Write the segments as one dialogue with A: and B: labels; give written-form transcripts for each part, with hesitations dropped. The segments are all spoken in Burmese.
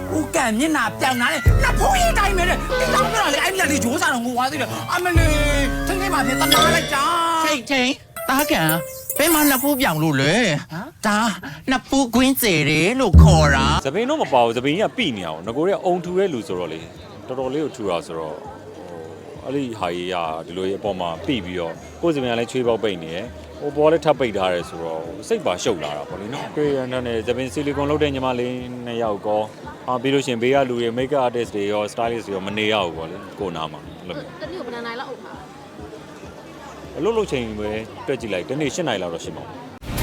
A: ဦးကံမျက်နှာပြောင်လာတယ်နှစ်ဖူးရေးတိုင်းပဲတဲ့ဒီတော့ပြောလေအဲ့ဒီကလေးဂျိုးစားတော့ငိုသွားသေးတယ်အမလေးထိန်းထိန်းပါဖြင့်တနာလိုက်တာ
B: ချိန်တားကန်ဘယ်မှာနှစ်ဖူးပြောင်လို့လဲဒါနှစ်ဖူးကွင်းစေတယ်လို့ခေါ်တာ
C: သပင်းတော့မပါဘူးသပင်းကပြိနေအောင်ငကိုရဲအုံထူတဲ့လူဆိုတော့လေတော်တော်လေးကိုထူတာဆိုတော့အဲ့ဒီဟာကြီးကဒီလိုအပေါ်မှာပြိပြီးတော့ကိုယ်စပင်းကလည်းချွေးပေါက်ပိတ်နေရယ်ဟိုပေါ်လည်းထပ်ပိတ်ထားတယ်ဆိုတော့စိတ်ပါရှုပ်လာတာပေါ့လေနော်တွေ့ရတဲ့သပင်းဆီလီကွန်လုပ်တဲ့ညီမလေး2ယောက်ကောပြီးလို့ရှိရင်ဘေးကလူတွေ make up artist တွေရော stylist တွေရောမနေရဘူးပေါ့လေကိုနာမှာအဲ့လို
D: တနည်းကိုဘယ်နိုင်လောက်အုပ်မှာ
C: အလုပ်လုပ်ချိန်ပဲတွက်ကြည့်လိုက်တနေ့8နိုင်လောက်တော့ရှိမှာ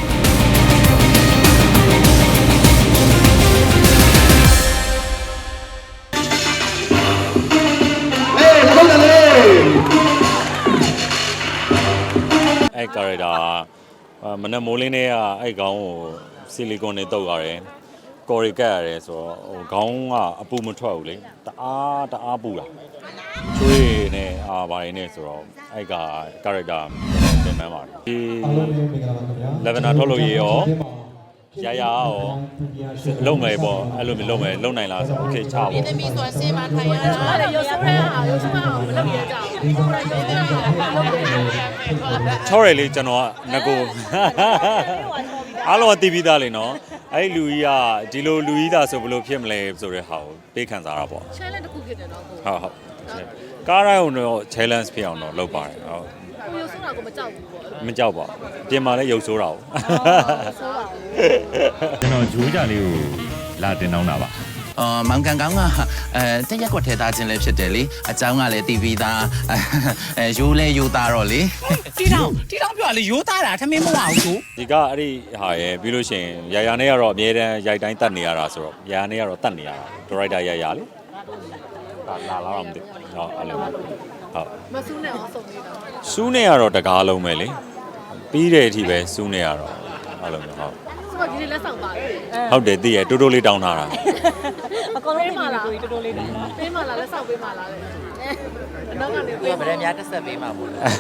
C: အဲ့ကာရက်တာမနက်မိုးလင်းတွေကအဲ့ခေါင်းကိုဆီလီကွန်တွေတုပ်ရတယ်ကော်ရီကတ်ရတယ်ဆိုတော့ဟိုခေါင်းကအပူမထွက်ဘူးလေတအားပူတာချွေးနဲ့ဘာတွေနဲ့ဆိုတော့အဲ့ကကာရက်တာတင်မှန်းပါတယ်ဒီ11ထုတ်လို့ရရောရရောလုံမယ်ပေါ့အဲ့လိုမျိုးလုံမယ်လုံနိုင်လားဆိုโอเคချပါ
D: ဒီသမီးဆိုဆင်းမထိုင်ရတာရုပ်ဆိုးတဲ့ဟာရုပ်ဆိုးအောင်မလုပ်ရကြဘူးကိုယ်တိုင်ရုပ်ဆိုးအောင်လုပ်တယ်
C: ချောရလေကျွန်တော်ကငကိုအားလုံးသိပြီးသားလေနော်အဲ့လူကြီးကဒီလိုလူကြီးသားဆိုဘယ်လိုဖြစ်မလဲဆိုတဲ့ဟာကိုပေးခံစားတာပေါ့
D: challenge တစ်ခုဖြစ်တယ်နော်ကို
C: ဟုတ်ကားတိုင်းတော့ challenge ဖြစ်အောင်တော့လုပ်ပါတယ်ဟုတ်
D: ကိုရုပ်ဆိုးတာကိုမကြောက်ဘူးပေါ့
C: မကြောက်ပါဘူးပြင်မှာလည်းရုပ်ဆိုးတာကို
D: ဆိုးပါဘူး
E: ကျွန်တော်ဂျိုးကြလေးကိုလာတင်တောင်းတာပါ
B: မောင်ကန်ကောင်းကတက်ရက်ကွက်ထဲသားခြင်းလည်းဖြစ်တယ်လေအเจ้าကလည်းတီးပြီးသားရိုးလဲရိုးသားတော့လေတီတောင်းပြောလေရိုးသားတာထမင်းမဝဘူးဆို
C: ဒီကအဲ့ဒီဟာရယ်ပြီးလို့ရှိရင်ရာနဲ့ကတော့အမြဲတမ်းရိုက်တိုင်းတတ်နေရတာဆိုတော့ရာနဲ့ကတော့တတ်နေရတာဒရိုက်တာရာလေလာတော့မသိဟောအဲ့လိုဟုတ်
D: မဆူးနဲ့အောင်ဆုံးနေတာ
C: စူးနေရတော့တကားလုံးပဲလေပြီးတဲ့အထိပဲစူးနေရတော့အဲ့လိုမျိုးဟုတ်
D: ဆိုတော့ဒီလက်ဆောင်ပါတယ်
C: ဟုတ်တယ်သိရတိုးတိုးလေးတောင်းထားတာ
D: အကောင်လုံးပေးမှလားတိုးတိုးလေးတောင်းပေးမှလားလက်ဆောင်ပေးမှလားလေအနောက်ကနေပေး
B: ဗရဲများတက်ဆက်ပေးမှာမို့လား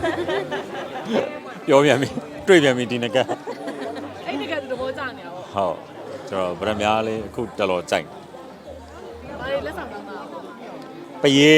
C: ပြောပြန်ပြီတွေ့ပြန်ပြီဒီနက
D: အဲ့ဒီကသဘောကျနေတာပေါ့
C: ဟုတ်ကျွန်တော်ဗရဲများလေးအခုတော်တော်ကြိုက်
D: ဘာလေးလက်ဆောင်တောင်းတာ
C: ပရေ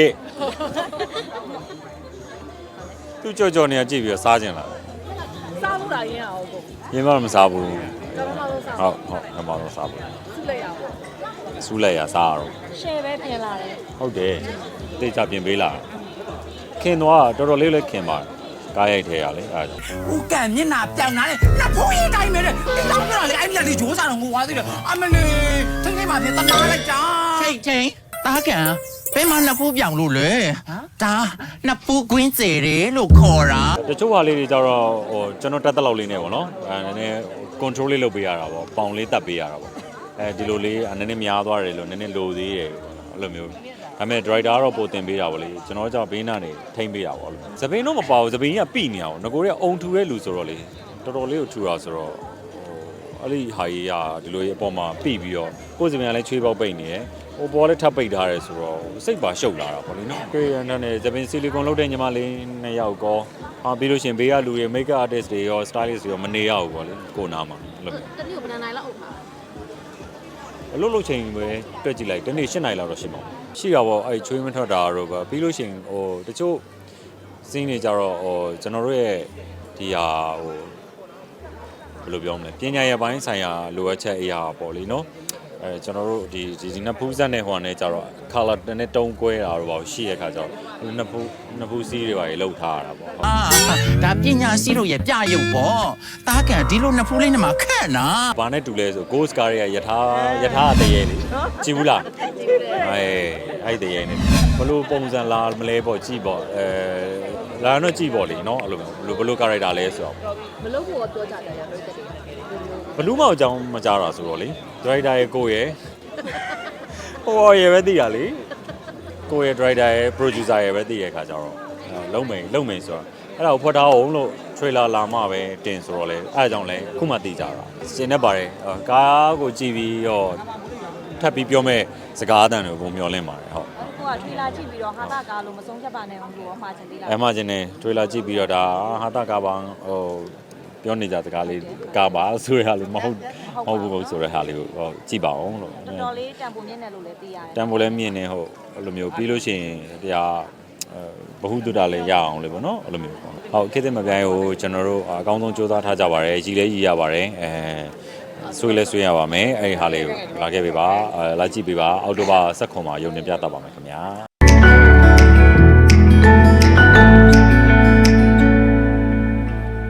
C: သူကြော်နေကြည့်ပြီးတော့စားခြင်းလား
D: စားလို့လားရင်းအောင်ကို
C: ရင်းမစားဘူး
D: ဟုတ်
C: မတော့စားဘူး
D: ဆူလိုက်ရအောင်
C: ဆူလိုက်ရစားတော့
D: ရှယ်ပဲပြင်လာတယ်
C: ဟုတ်တယ်တိတ်ချပြင်ပေးလာခင်သွားတော်တော်လေးလည်းခင်ပါကားရိုက်ထဲရလေအဲ့ဒါ
A: ဦးကံမျက်နှာပြောင်လာတယ်နှစ်ဖူးရေးတိုင်းပဲတဲ့ဒီတော့ပြောလေအဲ့ဒီကလေးဂျိုးစားတော့ငိုသွားသေးတယ်အမလေးထိန်းထိန်းပါဖြင့်တနာလိုက်တာ
B: ချိန်တားကန်ဘယ်မှာနှစ်ဖူးပြောင်လို့လဲဒါနှစ်ဖူးကွင်းစေတယ်လို့ခေါ်တာ
C: တချို့ဟာလေးတွေကြတော့ဟိုကျွန်တော်တက်တက်လောက်လေးနေပေါ့နော်နည်းနည်း control လေးလုပ်ပေးရတာပေါ့ပေါင်လေးတက်ပေးရတာပေါ့ဒီလိုလေးနည်းနည်းများသွားတယ်လို့နည်းနည်းလိုသေးတယ်အဲ့လိုမျိုးဒါပေမဲ့ driver ကတော့ပိုတင်ပေးတာပေါ့လေကျွန်တော်ကြောင့်ဘေးနာနေထိမ့်ပေးတာပေါ့သပင်းတော့မပါဘူးသပင်းကပြိနေအောင်ငကိုရဲအုံထူတဲ့လူဆိုတော့လေတော်တော်လေးကိုထူတာဆိုတော့အဲ့ဒီဟာကြီးကဒီလိုအပေါ်မှာပြိပြီးတော့ကိုယ်စပင်းကလည်းချွေးပေါက်ပိတ်နေရယ်ဟိုပေါ်လည်းထပ်ပိတ်ထားတယ်ဆိုတော့စိတ်ပါရှုပ်လာတာပေါ့လေနော်တွေ့ရတဲ့သပင်းဆီလီကွန်လုပ်တဲ့ညီမလေး2ယောက်ကောပြီးလို့ရှိရင်ဘေးကလူတွေ make up artist တွေရော stylist တွေရောမနေရဘူးပေါ့လေကိုနာမှာအဲ့လို
D: တနည်းကိုဘယ်နိုင်လောက်အုပ်မှာ
C: အလုပ်လုပ်ချိန်ပဲတွက်ကြည့်လိုက်တနေ့8နိုင်လောက်တော့ရှိမှာရှိတာပေါ့အဲ့ချွေးမထွက်တာတော့ပဲပြီးလို့ရှိရင်ဟိုတချို့စင်းတွေကြတော့ဟိုကျွန်တော်တို့ရဲ့ဒီဟာဟိုဘယ်လိုပြောမလဲပညာရေးပိုင်းဆိုင်ရာလိုအပ်ချက်အရာပေါ့လေနော်ကျွန်တော်တို့ဒီနှစ်ဖူးဆက်နဲ့ဟိုနဲ့ကြတော့ color နဲ့တုံးကွဲတာတော့ပေါ့ရှိရခါကျတော့နှစ်ဖူးစီးတွေပါလောက်ထားရတာပေါ့
B: ဒါပညာရှိတို့ရဲ့ပြရုပ်ပေါ့တားကန်ဒီလိုနှစ်ဖူးလေးနဲ့မှခက်နာ
C: ဘာနဲ့တူလဲဆို ghost car ရဲ့ယထာတရေလေကြည့်ဘူးလားအဲ့တရေနဲ့ဘလို့ပုံစံလာမလဲပေါ့ကြည့်ပေါ့လာတော့ကြည့်ပေါ့လေနော်အဲ့လိုဘလို့ character လဲဆိုတော့
D: မလုပ်ဖို့ပြောကြတယ်ရတော့တက်တယ်
C: ဘလူးမောင်အကြောင်းမကြတာဆိုတော့လေ driver ရဲ့ကိုရဲ့ဟိုရဲ့ပဲသိတာလေကိုရဲ့ driver ရဲ့ producer ရဲ့ပဲသိရခါကြတော့လုံးမိန်ဆိုတော့အဲ့ဒါကိုဖွက်ထားအောင်လို့ trailer လာမှပဲတင်ဆိုတော့လေအဲ့ဒါကြောင့်လဲခုမှသိကြတာရှင်းနေပါတယ်ကားကိုကြည့်ပြီးတော့ထပ်ပြီးပြောမဲ့စကားအတန်တွေကိုပုံမျောလင့်ပါတယ်ဟုတ်
D: ကိုက trailer ကြည့်ပြီးတော့ဟာတာကားလို့မဆုံးဖြတ်ပါနဲ့အောင်လို့မှားချင်သေးလား
C: မှားချင်တယ် trailer ကြည့်ပြီးတော့ဒါဟာတာကားပါဟိုပြောနေကြစကားလေးကပါဆိုရဟာလေးမဟုတ်ဘူးဆိုရဟာလေးကိုကြည့်ပါအောင်လို့
D: တော်လေးတန်ဖိုးမြင့်တယ်လို့လည်းသိရတယ်
C: တန်ဖိုးလည်းမြင့်နေဟုတ်အဲ့လိုမျိုးပြီးလို့ရှိရင်တရားဘ ഹു တုတလည်းရအောင်လေပေါ့နော်အဲ့လိုမျိုးပေါ့ဟုတ်ခေတ်သစ်မပြိုင်ကိုကျွန်တော်တို့အကောင်းဆုံးစူးစမ်းထားကြပါတယ်ရည်လည်းရည်ရပါတယ်ဆွေးလဲဆွေးရပါမယ်အဲ့ဒီဟာလေးကိုလာခဲ့ပေးပါလာကြည့်ပေးပါအောက်တိုဘာ19မှာရုံတင်ပြသပါမယ်ခင်ဗျာ